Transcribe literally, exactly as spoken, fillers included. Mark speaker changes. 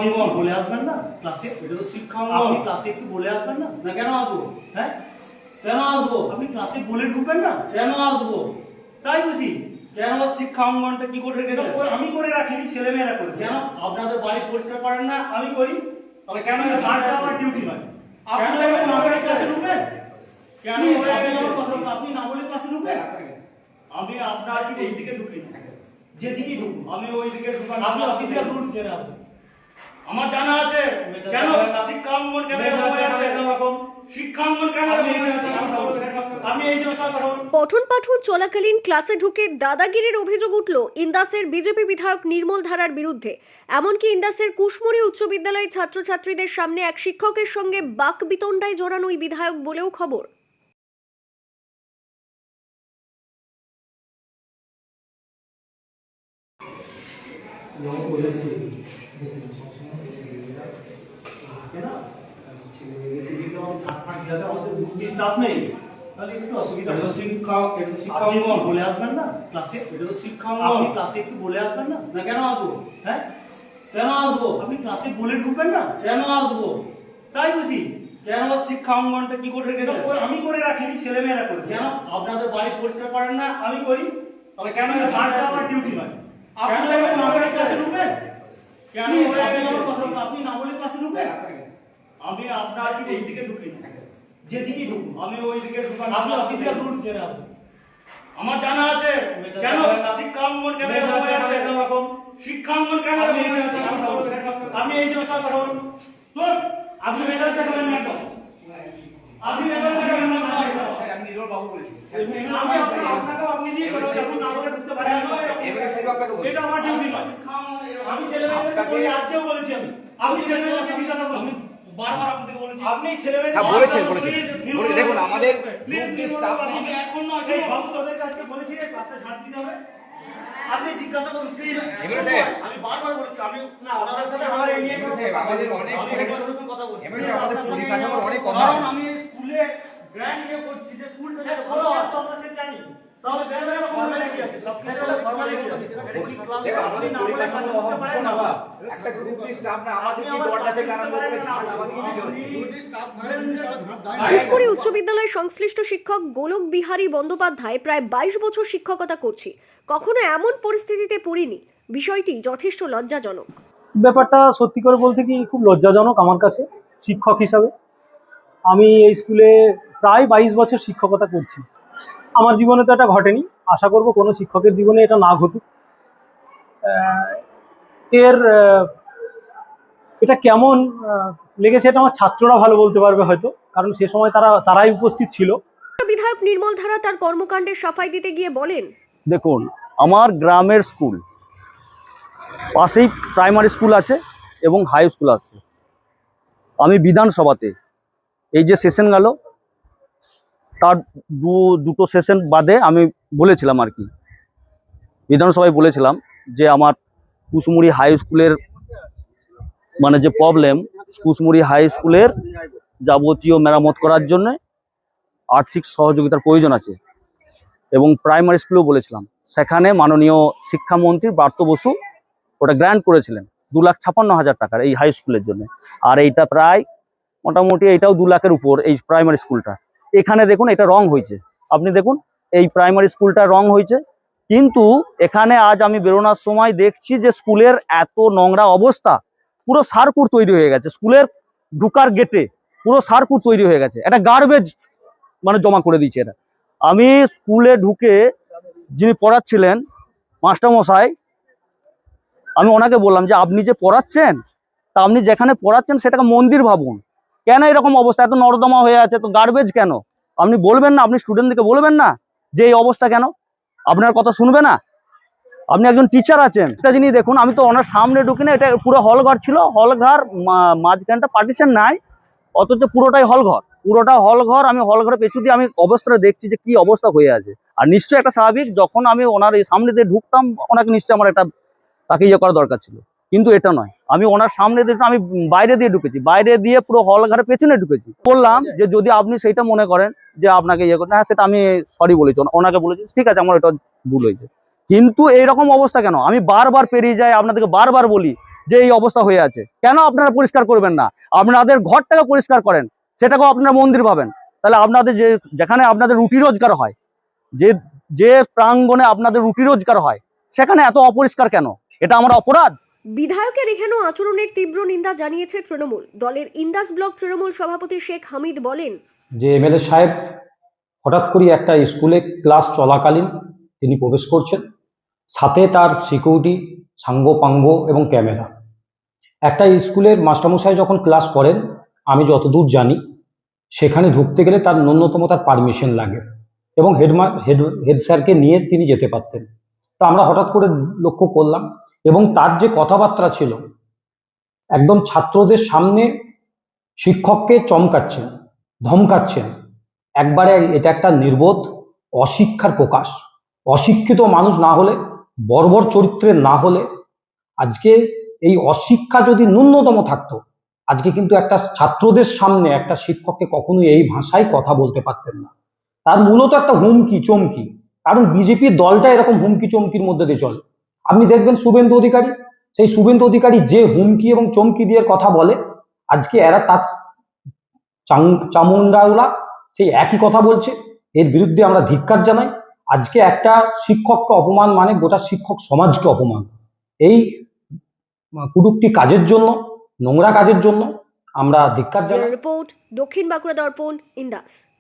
Speaker 1: শিক্ষাঙ্গন
Speaker 2: বলে আসবেন না ক্লাসে?
Speaker 1: এটা তো শিক্ষাঙ্গন।
Speaker 2: আপনি ক্লাসে একটু বলে আসবেন না?
Speaker 1: না কেন আসবো?
Speaker 2: হ্যাঁ,
Speaker 1: কেন আসবো?
Speaker 2: আপনি ক্লাসে বলে ঢুকবেন না?
Speaker 1: কেন আসবো?
Speaker 2: তাই বুঝি
Speaker 1: কেন শিক্ষা অঙ্গনটা কি করে
Speaker 2: এটা
Speaker 1: রেখেছেন?
Speaker 2: করে- আমি করে রাখিনি, ছেলেমেয়েরা করেছে।
Speaker 1: কেন আপনাদের বাড়ি পরিষ্কার করেন না?
Speaker 2: আমি করি।
Speaker 1: তাহলে কেন
Speaker 2: কিন্তু ঝাড় দেওয়া আমার ডিউটি নয়। আপনি
Speaker 1: কেন
Speaker 2: দেখবেন না বলে
Speaker 1: হয়ে
Speaker 2: ক্লাসে
Speaker 1: গেছে?
Speaker 2: ঢুকবেন?
Speaker 1: কেন
Speaker 2: Please,
Speaker 1: হয়ে
Speaker 2: আপনি
Speaker 1: গেছে?
Speaker 2: আমার কথা বলুন, আপনি না বলে ক্লাসে ঢুকবেন?
Speaker 1: আমি আপনার এই দিকে ঢুকি না।
Speaker 2: যেদিকেই ঢুকুন,
Speaker 1: আমি ওই দিকে ঢুকান।
Speaker 2: আপনি অফিসিয়াল রুলস জেনে আসবেন।
Speaker 1: আমার জানা আছে
Speaker 2: মেজাজ
Speaker 1: কেন
Speaker 2: দেখাবেন না।
Speaker 1: শিক্ষা অঙ্গন কেন
Speaker 2: মেজাজ
Speaker 1: এরকম হয়ে
Speaker 2: দেখাবেন
Speaker 1: আছে?
Speaker 2: এরকম।
Speaker 1: শিক্ষা অঙ্গন কেন
Speaker 2: আপনি
Speaker 1: এরকম
Speaker 2: এই
Speaker 1: হয়ে
Speaker 2: যে
Speaker 1: আছে?
Speaker 2: কথা বলুন। আপনি এই যে কথা বলুন।
Speaker 3: পঠন পাঠন চলাকালীন ক্লাসে ঢুকে দাদাগিরির অভিযোগ উঠল ইন্দাসের বিজেপি বিধায়ক নির্মল ধারার বিরুদ্ধে। এমনকি ইন্দাসের কুশমুড়ি উচ্চ বিদ্যালয়ের ছাত্রছাত্রীদের সামনে এক শিক্ষকের সঙ্গে বাকবিতণ্ডায় জড়ানো ওই বিধায়ক বলেও খবর।
Speaker 2: স্টাফ নেই, তাহলে একটু অসুবিধা
Speaker 1: এটা তো
Speaker 2: হবে।
Speaker 1: শিক্ষা এটা তো শিক্ষা
Speaker 2: আপনি
Speaker 1: অঙ্গন।
Speaker 2: বলে আসবেন না ক্লাসে?
Speaker 1: এটা তো শিক্ষা
Speaker 2: আপনি
Speaker 1: অঙ্গন।
Speaker 2: ক্লাসে একটু বলে আসবেন না?
Speaker 1: না কেন আসবো?
Speaker 2: হ্যাঁ,
Speaker 1: কেন আসবো?
Speaker 2: আপনি ক্লাসে বলে ঢুকবেন না?
Speaker 1: কেন আসবো?
Speaker 2: তাই বুঝি
Speaker 1: কেন শিক্ষা অঙ্গনটা কি করে
Speaker 2: এটা
Speaker 1: রেখেছেন?
Speaker 2: করে- আমি করে রাখিনি, ছেলেমেয়েরা করেছে।
Speaker 1: কেন আপনাদের বাড়ি পরিষ্কার করেন না?
Speaker 2: আমি করি।
Speaker 1: তাহলে কেন
Speaker 2: কিন্তু ঝাড় দেওয়া আমার ডিউটি নয়। আপনি
Speaker 1: কেন
Speaker 2: দেখবেন না বলে
Speaker 1: হয়ে
Speaker 2: ক্লাসে
Speaker 1: গেছে?
Speaker 2: ঢুকবেন?
Speaker 1: কেন
Speaker 2: Please,
Speaker 1: হয়ে
Speaker 2: আপনি
Speaker 1: গেছে?
Speaker 2: আমার কথা বলুন, আপনি না বলে ক্লাসে ঢুকবেন?
Speaker 1: আমি আপনার এই দিকে ঢুকি না।
Speaker 2: যেদিকেই ঢুকুন,
Speaker 1: আমি ওই দিকে ঢুকান।
Speaker 2: আপনি অফিসিয়াল রুলস জেনে আসবেন।
Speaker 1: আমার জানা আছে
Speaker 2: মেজাজ
Speaker 1: কেন
Speaker 2: দেখাবেন না।
Speaker 1: শিক্ষা অঙ্গন কেন
Speaker 2: মেজাজ
Speaker 1: এরকম হয়ে আছে?
Speaker 2: দেখাবেন এরকম।
Speaker 1: শিক্ষা অঙ্গন কেন
Speaker 2: আপনি
Speaker 1: এরকম
Speaker 2: এই
Speaker 1: হয়ে
Speaker 2: যে
Speaker 1: আছে?
Speaker 2: কথা বলুন। আপনি এই যে কথা বলুন।
Speaker 1: চল।
Speaker 2: আপনি মেজাজ দেখাবেন না একদম। আপনি মেজাজ দেখাবেন না আমার হিসাবে।
Speaker 4: আমি নির্মল বাবু বলেছি।
Speaker 2: আমি আপনাকে আপনাকেও আপনি দিয়ে কথা বলছি, আপনি না বলে ঢুকতে পারেন না।
Speaker 4: এবারে সাহেব আপনাকে বলছি।
Speaker 2: এটা আমার ডিউটি নয়।
Speaker 1: শিক্ষা অঙ্গন এরকম-
Speaker 2: আমি ছেলেমেয়েদেরকে বলি, আজকেও বলেছি আমি। আপনি ছেলেমেয়েদেরকে জিজ্ঞাসা করুন।
Speaker 1: আমি বারবার আপনাকে বলেছি
Speaker 2: আপনি ছেলেমেয়েদের
Speaker 4: হ্যাঁ, বলেছেন,
Speaker 2: বারবার
Speaker 4: বলেছেন।
Speaker 2: please,
Speaker 4: বলেছেন,
Speaker 2: নির্মল
Speaker 4: দেখুন,
Speaker 2: বাবু,
Speaker 4: আমাদের
Speaker 2: please,
Speaker 4: group
Speaker 2: নির্মল
Speaker 4: staff
Speaker 2: বাবু,
Speaker 1: আমি এখন নয়,
Speaker 2: সেই
Speaker 1: শোনো।
Speaker 2: বাবু তোদের কাছে বলেছি যে ক্লাসে ঝাড় দিতে হবে। আপনি জিজ্ঞাসা করুন প্লিজ।
Speaker 4: এমএলএ সাহেব।
Speaker 1: আমি বারবার বলেছি আমি
Speaker 2: না, ওনাদের সাথে আমার এই নিয়ে
Speaker 4: এমএলএ সাহেব, আমাদের অনেক
Speaker 1: আমি হেডমাস্টারের সঙ্গে কথা বলছি।
Speaker 4: এমএলএ সাহেব, আমাদের পরিকাঠামোর অনেক
Speaker 1: কারণ
Speaker 4: অভাব।
Speaker 1: আমি স্কুলে গ্র্যান্ড ইয়ে করছি যে স্কুলটা
Speaker 2: হ্যাঁ,
Speaker 1: যাতে ভালো
Speaker 2: বলছেন
Speaker 1: হয়।
Speaker 2: তো আমরা সে জানি।
Speaker 1: তাহলে গ্র্যান্ড একটা ফর্মালিটি আছে, সব কিছু একটা ফর্মালিটি আছে। এটা কি ক্লাস?
Speaker 4: দেখুন, আমাদের
Speaker 2: না বলে
Speaker 4: পরিকাঠামোর
Speaker 2: ক্লাসে
Speaker 4: অভাব
Speaker 2: ঢুকতে
Speaker 4: ভীষণ
Speaker 2: পারেন না।
Speaker 4: অভাব। একটা গ্রুপ স্টাফ না আমাদের কি দরজা থেকে আরম্ভ করে ঝাড় আমাদের কি দিতে হচ্ছে?
Speaker 3: কুশমুড়ি উচ্চ বিদ্যালয়ের সংশ্লিষ্ট শিক্ষক গোলক বিহারী বন্দ্যোপাধ্যায় প্রায় বাইশ বছর শিক্ষকতা করছি, কখনো এমন পরিস্থিতিতে পড়িনি। বিষয়টি যথেষ্ট লজ্জাজনক।
Speaker 5: ব্যাপারটা সত্যি করে বলতে কি খুব লজ্জাজনক আমার কাছে শিক্ষক হিসাবে। আমি এই স্কুলে প্রায় বাইশ বছর শিক্ষকতা করছি। আমার জীবনে তো এটা ঘটেনি, আশা করব কোনো শিক্ষকের জীবনে এটা না ঘটুক। আহ, এর আহ, এটা কেমন আহ, লেগেছে এটা আমার ছাত্ররা ভালো বলতে পারবে হয়তো, কারণ সে সময় তারা তারাই উপস্থিত ছিল।
Speaker 3: বিধায়ক নির্মল ধারা তার কর্মকাণ্ডের সাফাই দিতে গিয়ে বলেন,
Speaker 6: দেখুন, আমার গ্রামের স্কুল পাশেই প্রাইমারি স্কুল আছে এবং হাই স্কুল আছে। আমি বিধানসভাতে এই যে সেশন গেল তার দু দুটো সেশন বাদে আমি বলেছিলাম আর কি, বিধানসভায় বলেছিলাম যে আমার কুশমুড়ি হাই স্কুলের মানে যে প্রবলেম, কুশমুড়ি হাই স্কুলের যাবতীয় মেরামত করার জন্য আর্থিক সহযোগিতার প্রয়োজন আছে। এবং প্রাইমারি স্কুলেও বলেছিলাম, সেখানে মাননীয় শিক্ষামন্ত্রী ব্রাত্য বসু ওটা গ্র্যান্ট করেছিলেন দু লাখ ছাপান্ন হাজার টাকার এই হাই স্কুলের জন্য। আর এইটা প্রায় মোটামুটি এইটাও দু লাখের উপর এই প্রাইমারি স্কুলটা। এখানে দেখুন এটা রং হয়েছে, আপনি দেখুন এই প্রাইমারি স্কুলটা রং হয়েছে, কিন্তু এখানে আজ আমি বেরোনোর সময় দেখছি যে স্কুলের এত নোংরা অবস্থা, পুরো সার্কুট তৈরি হয়ে গেছে স্কুলের ঢুকার গেটে, পুরো সার্কুট তৈরি হয়ে গেছে, একটা গার্বেজ মানে জমা করে দিয়েছে এটা। আমি স্কুলে ঢুকে যিনি পড়াচ্ছিলেন মাস্টারমশাই, আমি ওনাকে বললাম যে আপনি যে পড়াচ্ছেন তা আপনি যেখানে পড়াচ্ছেন সেটাকে মন্দির ভাবুন, কেন এরকম অবস্থা, এত নর্দমা হয়ে আছে, তো গার্বেজ কেন? আপনি বলবেন না, আপনি স্টুডেন্টদেরকে বলবেন না যে এই অবস্থা কেন? আপনার কথা শুনবে না? আপনি একজন টিচার আছেন। একটা জিনিস দেখুন, আমি তো ওনার সামনে ঢুকি না, এটা পুরো হলঘর ছিল, হলঘর মাঝখানটা পার্টিশন নাই, অথচ পুরোটাই হলঘর, পুরোটা হলঘর। আমি হলঘরে পেছু দিয়ে আমি অবস্থাটা দেখছি যে কি অবস্থা হয়ে আছে। আর নিশ্চয়ই একটা স্বাভাবিক, যখন আমি ওনার এই সামনে দিয়ে ঢুকতাম ওনাকে নিশ্চয়ই আমার একটা তাকে ইয়ে করা দরকার ছিল, কিন্তু এটা নয়। আমি ওনার সামনে দিয়ে, আমি বাইরে দিয়ে ঢুকেছি, বাইরে দিয়ে পুরো হলঘরের পেছনে ঢুকেছি। বললাম যে যদি আপনি সেইটা মনে করেন যে আপনাকে ইয়ে করেন, হ্যাঁ সেটা আমি সরি বলেছি, ওনাকে বলেছি ঠিক আছে আমার এটা ভুল হয়েছে, কিন্তু এইরকম অবস্থা কেন? আমি বারবার পেরিয়ে যাই, আপনাদেরকে বারবার বলি যে এই অবস্থা হয়ে আছে। কেন আপনারা পরিষ্কার করবেন না? আপনাদের ঘরটাকে পরিষ্কার করেন, সেটাকেও আপনারা মন্দির ভাবেন। তাহলে আপনাদের যে যেখানে আপনাদের রুটি রোজগার হয়, যে যে প্রাঙ্গণে আপনাদের রুটি রোজগার হয়, সেখানে এত অপরিষ্কার কেন? এটা আমার অপরাধ?
Speaker 3: বিধায়কের এহেন আচরণের তীব্র নিন্দা জানিয়েছে তৃণমূল। দলের ইন্দাস ব্লক তৃণমূল সভাপতি শেখ হামিদ বলেন,
Speaker 7: যে এমএলএ সাহেব হঠাৎ করে একটা স্কুলে ক্লাস চলাকালীন তিনি প্রবেশ করছেন, সাথে তার সিকিউরিটি, সাঙ্গ পাঙ্গ এবং ক্যামেরা। একটা স্কুলের মাস্টারমশাই যখন ক্লাস করেন, আমি যতদূর জানি সেখানে ঢুকতে গেলে তার ন্যূনতম তার পারমিশন লাগে এবং হেডমা হেড হেড স্যারকে নিয়ে তিনি যেতে পারতেন। তো আমরা হঠাৎ করে লক্ষ্য করলাম এবং তার যে কথাবার্তা ছিল, একদম ছাত্রদের সামনে শিক্ষককে চমকাচ্ছেন, ধমকাচ্ছেন। একবারে এটা একটা নির্বোধ অশিক্ষার প্রকাশ। অশিক্ষিত মানুষ না হলে, বর্বর চরিত্রের না হলে, আজকে এই অশিক্ষা যদি ন্যূনতম থাকতো, আজকে কিন্তু একটা ছাত্রদের সামনে একটা শিক্ষককে কখনোই এই ভাষায় কথা বলতে পারতেন না। তার মূলত একটা হুমকি চমকি, কারণ বিজেপির দলটা এরকম হুমকি চমকির মধ্যে দিয়ে চলে। আপনি দেখবেন শুভেন্দু অধিকারী, সেই শুভেন্দু অধিকারী যে হুমকি এবং চমকি দিয়ে কথা বলে, আজকে এরা তার চামুন্ডাওলা সেই একই কথা বলছে। এর বিরুদ্ধে আমরা ধিক্কার জানাই। আজকে একটা শিক্ষককে অপমান মানে গোটা শিক্ষক সমাজকে অপমান। এই কুটুক্তি কাজের জন্য, নোংরা কাজের জন্য আমরা ধিক্কার জানাই।
Speaker 3: রিপোর্ট, দক্ষিণ বাঁকুড়া দর্পণ, ইন্দাস।